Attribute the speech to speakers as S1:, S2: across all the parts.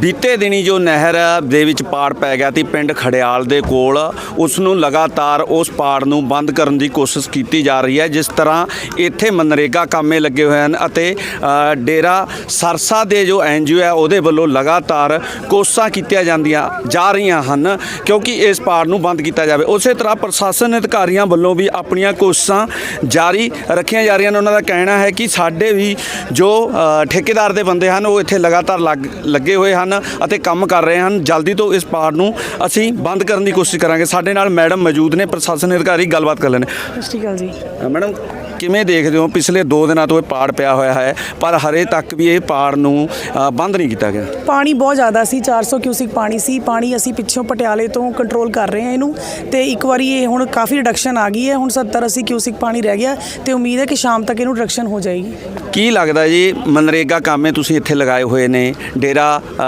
S1: ਬੀਤੇ ਦਿਨੀ ਜੋ ਨਹਿਰ ਦੇ ਵਿੱਚ ਪਾੜ ਪੈ ਗਿਆ ਸੀ ਪਿੰਡ ਖੜਿਆਲ ਦੇ ਕੋਲ, ਉਸ ਨੂੰ ਲਗਾਤਾਰ ਉਸ ਪਾੜ ਨੂੰ ਬੰਦ ਕਰਨ ਦੀ ਕੋਸ਼ਿਸ਼ ਕੀਤੀ ਜਾ ਰਹੀ ਹੈ। ਜਿਸ ਤਰ੍ਹਾਂ ਇੱਥੇ ਮਨਰੇਗਾ ਕਾਮੇ ਲੱਗੇ ਹੋਏ ਹਨ ਅਤੇ ਡੇਰਾ ਸਰਸਾ ਦੇ ਜੋ NGO ਹੈ ਉਹਦੇ ਵੱਲੋਂ ਲਗਾਤਾਰ ਕੋਸ਼ਿਸ਼ਾਂ ਕੀਤੀਆਂ ਜਾਂਦੀਆਂ ਜਾ ਰਹੀਆਂ ਹਨ ਕਿਉਂਕਿ ਇਸ ਪਾੜ ਨੂੰ ਬੰਦ ਕੀਤਾ ਜਾਵੇ। ਉਸੇ ਤਰ੍ਹਾਂ ਪ੍ਰਸ਼ਾਸਨ ਅਧਿਕਾਰੀਆਂ ਵੱਲੋਂ ਵੀ ਆਪਣੀਆਂ ਕੋਸ਼ਿਸ਼ਾਂ ਜਾਰੀ ਰੱਖੀਆਂ ਜਾ ਰਹੀਆਂ ਨੇ। ਉਹਨਾਂ ਦਾ ਕਹਿਣਾ ਹੈ ਕਿ ਸਾਡੇ ਵੀ ਜੋ ਠੇਕੇਦਾਰ ਦੇ ਬੰਦੇ ਹਨ ਉਹ ਇੱਥੇ ਲਗਾਤਾਰ ਲੱਗੇ ਹੋਏ ਹਨ ਅਤੇ ਕੰਮ ਕਰ ਰਹੇ ਹਨ। ਜਲਦੀ ਤੋਂ ਇਸ ਪਾੜ ਨੂੰ ਅਸੀਂ ਬੰਦ ਕਰਨ ਦੀ ਕੋਸ਼ਿਸ਼ ਕਰਾਂਗੇ। ਸਾਡੇ ਨਾਲ ਮੈਡਮ ਮੌਜੂਦ ਨੇ, ਪ੍ਰਸ਼ਾਸਨ ਅਧਿਕਾਰੀ, ਗੱਲਬਾਤ ਕਰ ਲੈਣੇ।
S2: ਸਤਿ ਸ਼੍ਰੀ ਅਕਾਲ ਜੀ।
S1: ਮੈਡਮ, ਕਿਵੇਂ ਦੇਖਦੇ ਹੋ ਪਿਛਲੇ 2 ਦਿਨਾਂ ਤੋਂ ਇਹ ਪਾੜ ਪਿਆ ਹੋਇਆ ਹੈ ਪਰ ਹਰੇ ਤੱਕ ਵੀ ਇਹ ਪਾੜ ਨੂੰ ਬੰਦ ਨਹੀਂ ਕੀਤਾ ਗਿਆ?
S2: ਪਾਣੀ ਬਹੁਤ ਜ਼ਿਆਦਾ ਸੀ, 400 ਕਿਊਸਿਕ ਪਾਣੀ ਸੀ। ਪਾਣੀ ਅਸੀਂ ਪਿੱਛੋਂ ਪਟਿਆਲੇ ਤੋਂ ਕੰਟਰੋਲ ਕਰ ਰਹੇ ਹਾਂ ਇਹਨੂੰ, ਤੇ ਇੱਕ ਵਾਰੀ ਇਹ ਹੁਣ ਕਾਫੀ ਰਿਡਕਸ਼ਨ ਆ ਗਈ ਹੈ। ਹੁਣ 70-80 ਕਿਊਸਿਕ ਪਾਣੀ ਰਹਿ ਗਿਆ ਤੇ ਉਮੀਦ ਹੈ ਕਿ ਸ਼ਾਮ ਤੱਕ ਇਹਨੂੰ ਰਿਡਕਸ਼ਨ ਹੋ ਜਾਏਗੀ।
S1: ਕੀ ਲੱਗਦਾ ਜੀ, ਮਨਰੇਗਾ ਕਾਮੇ ਤੁਸੀਂ ਇੱਥੇ ਲਗਾਏ ਹੋਏ ਨੇ, ਡੇਰਾ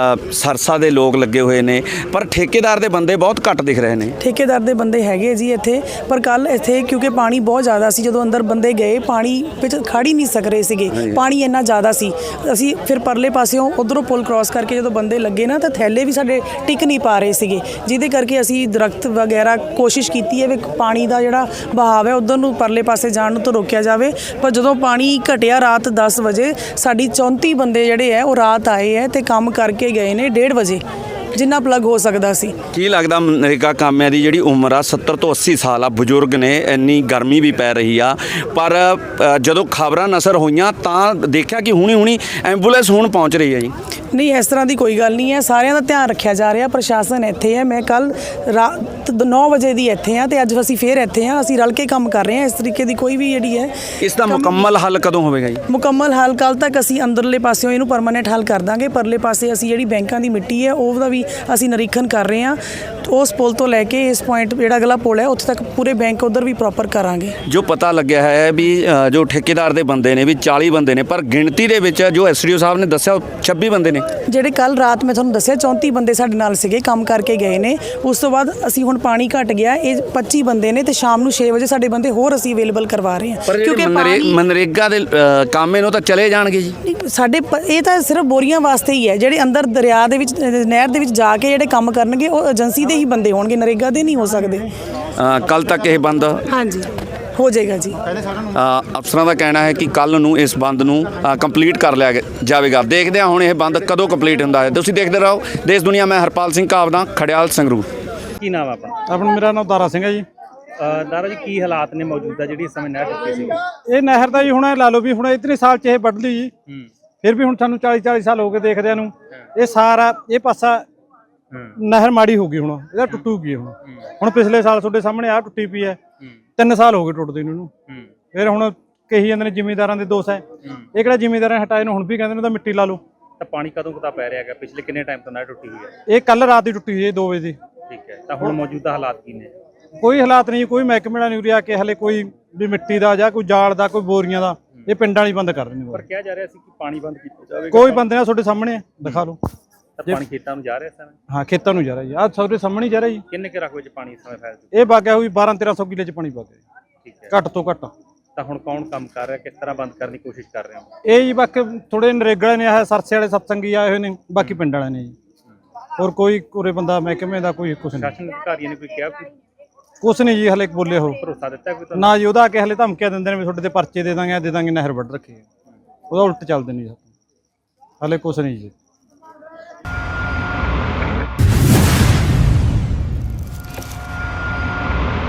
S1: ਸਰਸਾ ਦੇ ਲੋਕ ਲੱਗੇ ਹੋਏ ਨੇ, ਪਰ ਠੇਕੇਦਾਰ ਦੇ ਬੰਦੇ ਬਹੁਤ ਘੱਟ ਦਿਖ ਰਹੇ ਨੇ?
S2: ਠੇਕੇਦਾਰ ਦੇ ਬੰਦੇ ਹੈਗੇ ਜੀ ਇੱਥੇ, ਪਰ ਕੱਲ ਇੱਥੇ ਕਿਉਂਕਿ ਪਾਣੀ ਬਹੁਤ ਜ਼ਿਆਦਾ ਸੀ, ਜਦੋਂ ਅੰਦਰ ਬੰਦੇ ਗਏ ਪਾਣੀ ਵਿੱਚ ਖੜ ਹੀ ਨਹੀਂ ਸਕ ਰਹੇ ਸੀਗੇ, ਪਾਣੀ ਇੰਨਾ ਜ਼ਿਆਦਾ ਸੀ। ਅਸੀਂ ਫਿਰ ਪਰਲੇ ਪਾਸਿਓਂ ਉਧਰੋਂ ਪੁਲ ਕ੍ਰਾਸ ਕਰਕੇ ਜਦੋਂ ਬੰਦੇ ਲੱਗੇ ਨਾ ਤਾਂ ਥੈਲੇ ਵੀ ਸਾਡੇ ਟਿਕ ਨਹੀਂ ਪਾ ਰਹੇ ਸੀਗੇ, ਜਿਹਦੇ ਕਰਕੇ ਅਸੀਂ ਦਰਖਤ ਵਗੈਰਾ ਕੋਸ਼ਿਸ਼ ਕੀਤੀ ਹੈ ਵੀ ਪਾਣੀ ਦਾ ਜਿਹੜਾ ਬਹਾਵ ਹੈ ਉਧਰ ਨੂੰ ਪਰਲੇ ਪਾਸੇ ਜਾਣ ਨੂੰ ਤਾਂ ਰੋਕਿਆ ਜਾਵੇ। ਪਰ ਜਦੋਂ ਪਾਣੀ ਘਟਿਆ ਰਾਤ 10 ਵਜੇ, ਸਾਡੀ 34 ਬੰਦੇ ਜਿਹੜੇ ਹੈ ਉਹ ਰਾਤ ਆਏ ਹੈ ਤੇ ਕੰਮ ਕਰਕੇ ਗਏ ਨੇ 1:30 ਵਜੇ, ਜਿੰਨਾ ਪਲੱਗ ਹੋ ਸਕਦਾ ਸੀ।
S1: ਕੀ ਲੱਗਦਾ ਮਨਰੇਗਾ ਕਾਮਿਆਂ ਦੀ ਜਿਹੜੀ ਉਮਰ ਆ 70 ਤੋਂ 80 ਸਾਲ ਆ, ਬਜ਼ੁਰਗ ਨੇ, ਇੰਨੀ ਗਰਮੀ ਵੀ ਪੈ ਰਹੀ ਆ, ਪਰ ਜਦੋਂ ਖਬਰਾਂ ਨਸ਼ਰ ਹੋਈਆਂ ਤਾਂ ਦੇਖਿਆ ਕਿ ਹੁਣੀ ਐਂਬੂਲੈਂਸ ਹੁਣ ਪਹੁੰਚ ਰਹੀ ਹੈ ਜੀ।
S2: ਨਹੀਂ, ਇਸ ਤਰ੍ਹਾਂ ਦੀ ਕੋਈ ਗੱਲ ਨਹੀਂ ਹੈ, ਸਾਰਿਆਂ ਦਾ ਧਿਆਨ ਰੱਖਿਆ ਜਾ ਰਿਹਾ। ਪ੍ਰਸ਼ਾਸਨ ਇੱਥੇ ਹੈ, ਮੈਂ ਕੱਲ ਰਾਤ 9 ਵਜੇ ਦੀ ਇੱਥੇ ਹਾਂ ਤੇ ਅੱਜ ਅਸੀਂ ਫੇਰ ਇੱਥੇ ਹਾਂ। ਅਸੀਂ ਰਲ ਕੇ ਕੰਮ ਕਰ ਰਹੇ ਹਾਂ। ਇਸ ਤਰੀਕੇ ਦੀ ਕੋਈ ਵੀ ਜਿਹੜੀ ਹੈ
S1: ਇਸ ਦਾ ਮੁਕੰਮਲ ਹੱਲ ਕਦੋਂ ਹੋਵੇਗਾ ਜੀ?
S2: ਮੁਕੰਮਲ ਹੱਲ ਕੱਲ ਤੱਕ ਅਸੀਂ ਅੰਦਰਲੇ ਪਾਸਿਓਂ ਇਹਨੂੰ ਪਰਮਾਨੈਂਟ ਹੱਲ ਕਰ ਦਾਂਗੇ। ਪਰਲੇ ਪਾਸੇ ਅਸੀਂ ਜਿਹੜੀ ਬੈਂਕਾਂ ਦੀ ਮਿੱਟੀ ਹੈ ਉਹਦਾ ਵੀ ਅਸੀਂ ਨਿਰੀਖਣ ਕਰ ਰਹੇ ਹਾਂ। ਉਸ ਪੁਲ ਤੋਂ ਲੈ ਕੇ ਇਸ ਪੁਆਇੰਟ ਜਿਹੜਾ ਅਗਲਾ ਪੁਲ ਹੈ ਉੱਥੇ ਤੱਕ ਪੂਰੇ ਬੈਂਕ ਉਧਰ ਵੀ ਪ੍ਰੋਪਰ ਕਰਾਂਗੇ। ਜੋ
S1: ਪਤਾ ਲੱਗਿਆ ਹੈ ਵੀ ਜੋ ਠੇਕੇਦਾਰ ਦੇ ਬੰਦੇ ਨੇ ਵੀ 40 ਬੰਦੇ ਨੇ, ਪਰ ਗਿਣਤੀ ਦੇ ਵਿੱਚ ਜੋ SDO ਸਾਹਿਬ ਨੇ ਦੱਸਿਆ 26 ਬੰਦੇ ਨੇ। ਜਿਹੜੇ ਕੱਲ ਰਾਤ ਮੈਂ ਤੁਹਾਨੂੰ ਦੱਸਿਆ 34 ਬੰਦੇ ਸਾਡੇ ਨਾਲ ਸੀਗੇ, ਕੰਮ ਕਰਕੇ ਗਏ ਨੇ। ਉਸ ਤੋਂ ਬਾਅਦ ਅਸੀਂ ਹੁਣ ਪਾਣੀ ਘਟ ਗਿਆ, ਇਹ 25 ਬੰਦੇ ਨੇ ਤੇ ਸ਼ਾਮ ਨੂੰ 6 ਵਜੇ ਸਾਡੇ ਬੰਦੇ ਹੋਰ ਅਸੀਂ ਅਵੇਲੇਬਲ ਕਰਵਾ ਰਹੇ ਹਾਂ। ਕਿਉਂਕਿ ਮਨਰੇਗਾ ਦੇ ਕਾਮੇ ਨੂੰ ਤਾਂ ਚਲੇ ਜਾਣਗੇ ਜੀ
S2: ਸਾਡੇ, ਇਹ ਤਾਂ ਸਿਰਫ ਬੋਰੀਆਂ ਵਾਸਤੇ ਹੀ ਹੈ। ਜਿਹੜੇ ਅੰਦਰ ਦਰਿਆ ਦੇ ਵਿੱਚ, ਨਹਿਰ ਦੇ ਵਿੱਚ ਜਾ ਕੇ ਜਿਹੜੇ ਕੰਮ ਕਰਨਗੇ ਉਹ ਏਜੰਸੀ ਦੇ ਹੀ ਬੰਦੇ ਹੋਣਗੇ, ਨਰੇਗਾ ਦੇ ਨਹੀਂ ਹੋ ਸਕਦੇ।
S1: ਕੱਲ ਤੱਕ ਇਹ ਬੰਦ
S2: ਹਾਂਜੀ ਹੋ ਜਾਏਗਾ ਜੀ।
S1: ਅਫਸਰਾਂ ਦਾ ਕਹਿਣਾ ਹੈ ਕਿ ਕੱਲ ਨੂੰ ਇਸ ਬੰਦ ਨੂੰ ਕੰਪਲੀਟ ਕਰ ਲਿਆ ਜਾਵੇਗਾ। ਦੇਖਦੇ ਹਾਂ ਹੁਣ ਇਹ ਬੰਦ ਕਦੋਂ ਕੰਪਲੀਟ ਹੁੰਦਾ ਹੈ। ਤੁਸੀਂ ਦੇਖਦੇ ਰਹੋ ਦੇਸ਼ ਦੁਨੀਆ। ਮੈਂ ਹਰਪਾਲ ਸਿੰਘ ਕਾਵਦਾ, ਖੜਿਆਲ, ਸੰਗਰੂਰ।
S3: ਕੀ ਨਾਮ ਆਪਣਾ?
S4: ਆਪਣਾ ਮੇਰਾ ਨਾਮ ਦਾਰਾ ਸਿੰਘ ਹੈ ਜੀ।
S3: ਦਾਰਾ ਜੀ, ਕੀ ਹਾਲਾਤ ਨੇ ਮੌਜੂਦਾ ਜਿਹੜੀ ਇਸ ਸਮੇਂ ਨਹਿਰ ਟੁੱਟੀ ਸੀ?
S4: ਇਹ ਨਹਿਰ ਦਾ ਜੀ ਹੁਣ ਲਾ ਲਓ ਵੀ ਹੁਣ ਇਤਨੇ ਸਾਲ 'ਚ ਇਹ ਵੱਢ ਲਈ ਜੀ, ਫਿਰ ਵੀ ਹੁਣ ਸਾਨੂੰ 40 ਸਾਲ ਹੋ ਗਏ ਦੇਖਦਿਆਂ ਨੂੰ। ਇਹ ਸਾਰਾ ਇਹ ਪਾਸਾ ਨਹਿਰ ਮਾੜੀ ਹੋ ਗਈ, ਹੁਣ ਇਹਦਾ ਟੁੱਟੂਗੀ। ਹੁਣ ਪਿਛਲੇ ਸਾਲ ਤੁਹਾਡੇ ਸਾਹਮਣੇ ਆ ਟੁੱਟੀ ਪਈ ਹੈ, 3 ਸਾਲ ਹੋ ਗਏ ਟੁੱਟਦੇ ਨੂੰ। ਫਿਰ ਹੁਣ ਕਹੀ ਜਾਂਦੇ ਨੇ ਜ਼ਿਮੀਂਦਾਰਾਂ ਦੇ ਦੋਸ਼ ਹੈ। ਇਹ ਕਿਹੜਾ ਜ਼ਿਮੀਂਦਾਰਾਂ ਨੇ ਹਟਾਏ ਨੂੰ, ਹੁਣ ਵੀ ਕਹਿੰਦੇ ਨੇ ਤਾਂ ਮਿੱਟੀ ਲਾ ਲਓ।
S3: ਤਾਂ ਪਾਣੀ ਕਦੋਂ ਕੁ ਪੈ ਰਿਹਾ ਹੈਗਾ? ਪਿਛਲੇ ਕਿੰਨੇ ਟਾਈਮ ਤੋਂ ਨਹਿਰ ਟੁੱਟੀ ਹੋਈ ਹੈ?
S4: ਇਹ ਕੱਲ ਰਾਤ ਦੀ ਟੁੱਟੀ ਹੋਈ ਹੈ 2 ਵਜੇ ਦੀ।
S3: ਠੀਕ ਹੈ, ਤਾਂ ਹੁਣ ਮੌਜੂਦਾ ਹਾਲਾਤ ਕੀ ਨੇ?
S4: ਕੋਈ ਹਾਲਾਤ ਨਹੀਂ, ਕੋਈ ਮਹਿਕਮੇ ਨਾਲ ਨਹੀਂ ਉਰਿਆ ਕੇ ਹਲੇ ਕੋਈ ਵੀ ਮਿੱਟੀ ਦਾ ਜਾਂ ਕੋਈ ਜਾਲ ਦਾ, ਕੋਈ ਬੋਰੀਆਂ ਦਾ, ਇਹ ਪਿੰਡਾਂ ਵਾਲੀ ਬੰਦ ਕਰ ਰਹੇ ਨੇ।
S3: ਪਰ ਕਿਹਾ ਜਾ ਰਿਹਾ ਸੀ ਕਿ ਪਾਣੀ ਬੰਦ ਕੀਤਾ ਜਾਵੇਗਾ।
S4: ਕੋਈ ਬੰਦੇ ਨਾਲ ਤੁਹਾਡੇ ਸਾਹਮਣੇ ਦਿਖਾ ਲਓ।
S3: ਤਾਂ ਪਾਣੀ ਖੇਤਾਂ ਨੂੰ ਜਾ ਰਿਹਾ ਇਸ ਸਮੇਂ?
S4: ਹਾਂ, ਖੇਤਾਂ ਨੂੰ ਜਾ ਰਿਹਾ ਜੀ। ਆਹ ਤੁਹਾਡੇ ਸਾਹਮਣੇ ਜਾ ਰਿਹਾ ਜੀ।
S3: ਕਿੰਨੇ ਕੁ ਰਕਬੇ 'ਚ ਪਾਣੀ ਇਸ ਸਮੇਂ ਫੈਲ ਚੁੱਕਾ?
S4: ਇਹ ਬਾਗਿਆ ਹੋਈ 1200-1300 ਕਿੱਲੇ 'ਚ ਪਾਣੀ ਵਗ ਗਿਆ।
S3: ਠੀਕ ਹੈ,
S4: ਘੱਟ ਤੋਂ ਘੱਟ।
S3: ਤਾਂ ਹੁਣ ਕੌਣ ਕੰਮ ਕਰ ਰਿਹਾ, ਕਿਸ ਤਰ੍ਹਾਂ ਬੰਦ ਕਰਨ ਦੀ ਕੋਸ਼ਿਸ਼ ਕਰ ਰਹੇ ਹੋ?
S4: ਇਹ ਜੀ ਬਾਕੀ ਥੋੜੇ ਨਰੇਗਲੇ ਨੇ, ਆਹ ਸਰਸੇ ਵਾਲੇ ਸਤਸੰਗੀ ਆਏ ਹੋਏ ਨੇ, ਬਾਕੀ ਪਿੰਡ ਵਾਲੇ ਨੇ ਜੀ। ਹੋਰ ਕੋਈ ਉਰੇ ਬੰਦਾ ਮਹਿਕਮੇ ਦਾ ਕੋਈ ਕੁਛ ਨਹੀਂ।
S3: ਸ਼ਾਸਨ ਅਧਿਕਾਰੀਆਂ ਨੇ ਕੋਈ ਕਿਹਾ
S4: ਕੁਛ ਨਹੀਂ ਜੀ, ਹਲੇ ਬੋਲੇ ਹੋ
S3: ਭਰੋਸਾ ਦਿੱਤਾ ਕੋਈ ਤੁਹਾਨੂੰ?
S4: ਨਾ ਜੀ, ਉਹਦਾ ਆ ਕੇ ਹਲੇ ਧਮਕੀਆਂ ਦਿੰਦੇ ਨੇ ਵੀ ਤੁਹਾਡੇ ਤੇ ਪਰਚੇ ਦੇ ਦਾਂਗੇ, ਨਹਿਰ ਵੱਢ ਰੱਖੀ। ਉਹਦਾ ਉਲਟ ਚੱਲਦੇ ਨੇ ਜੀ, ਹਲੇ ਕੁਛ ਨਹੀਂ ਜੀ।